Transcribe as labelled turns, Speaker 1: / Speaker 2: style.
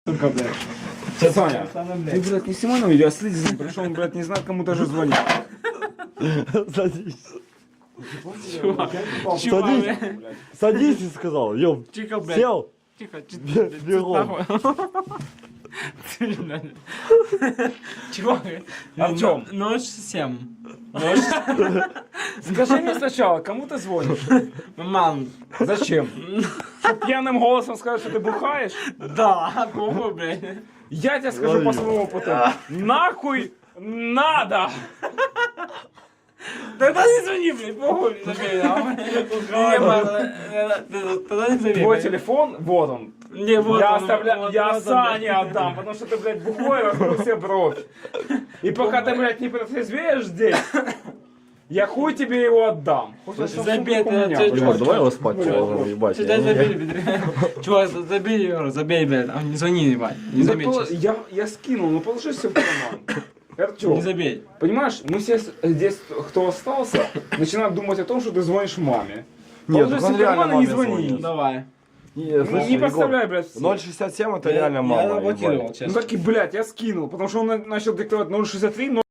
Speaker 1: Сука, блядь.
Speaker 2: Сейчас, Саня,
Speaker 1: Самое,
Speaker 2: ты,
Speaker 1: блядь.
Speaker 2: блядь, не снимай на видео, а следи за ним, потому что он, блядь, не знает, кому даже звонить.
Speaker 3: Садись.
Speaker 1: Чувак,
Speaker 3: Садись.
Speaker 1: блядь.
Speaker 3: Садись, и сказал. Ём.
Speaker 1: Тихо, блядь.
Speaker 3: Сел.
Speaker 1: Тихо,
Speaker 3: Бегом.
Speaker 1: Чувак,
Speaker 2: Артём.
Speaker 1: ночь 7.
Speaker 2: Скажи мне сначала, кому ты звонишь?
Speaker 1: Мам,
Speaker 2: Зачем? Чтоб пьяным голосом сказать, что ты бухаешь?
Speaker 1: да, кому, блядь?
Speaker 2: Я тебе скажу
Speaker 3: Лови.
Speaker 2: по своему опыту. Нахуй надо!
Speaker 1: Тогда не звони, блядь, похуй, забей, Не, мам, тогда не звони.
Speaker 2: Твой
Speaker 1: блядь.
Speaker 2: телефон, вот он.
Speaker 1: Не, вот
Speaker 2: Я
Speaker 1: он,
Speaker 2: оставляю,
Speaker 1: вот
Speaker 2: я
Speaker 1: он,
Speaker 2: Сане
Speaker 1: блядь.
Speaker 2: отдам, потому что ты, блядь, бухой, вокруг все бровь. И пока ты, блядь, не протрезвеешь здесь, я хуй тебе его отдам. Хоть он сейчас
Speaker 1: Забей,
Speaker 2: сумку у
Speaker 1: это
Speaker 2: меня,
Speaker 1: чё-
Speaker 2: блядь.
Speaker 3: Чувак, давай его спать положим, ебать.
Speaker 1: Сюда забей, блядь. Чувак, забей его, забей, блядь. А, не звони, ебать. Не
Speaker 2: Да
Speaker 1: забей,
Speaker 2: пол-
Speaker 1: честно.
Speaker 2: я скинул, ну положи все в карман. Артём,
Speaker 1: Не забей.
Speaker 2: понимаешь, мы все здесь, кто остался, начинают думать о том, что ты звонишь маме.
Speaker 3: Нет,
Speaker 2: Положи
Speaker 3: так он
Speaker 2: себе в карман
Speaker 3: реально
Speaker 2: и не
Speaker 3: маме
Speaker 2: звони.
Speaker 3: звонит.
Speaker 1: Давай.
Speaker 2: Не подставляй, блядь, всех.
Speaker 3: 0,67 это реально мало.
Speaker 1: Я заблокировал,
Speaker 3: ебать.
Speaker 1: честно.
Speaker 2: Ну так и, блядь, я скинул, потому что он начал диктовать 063,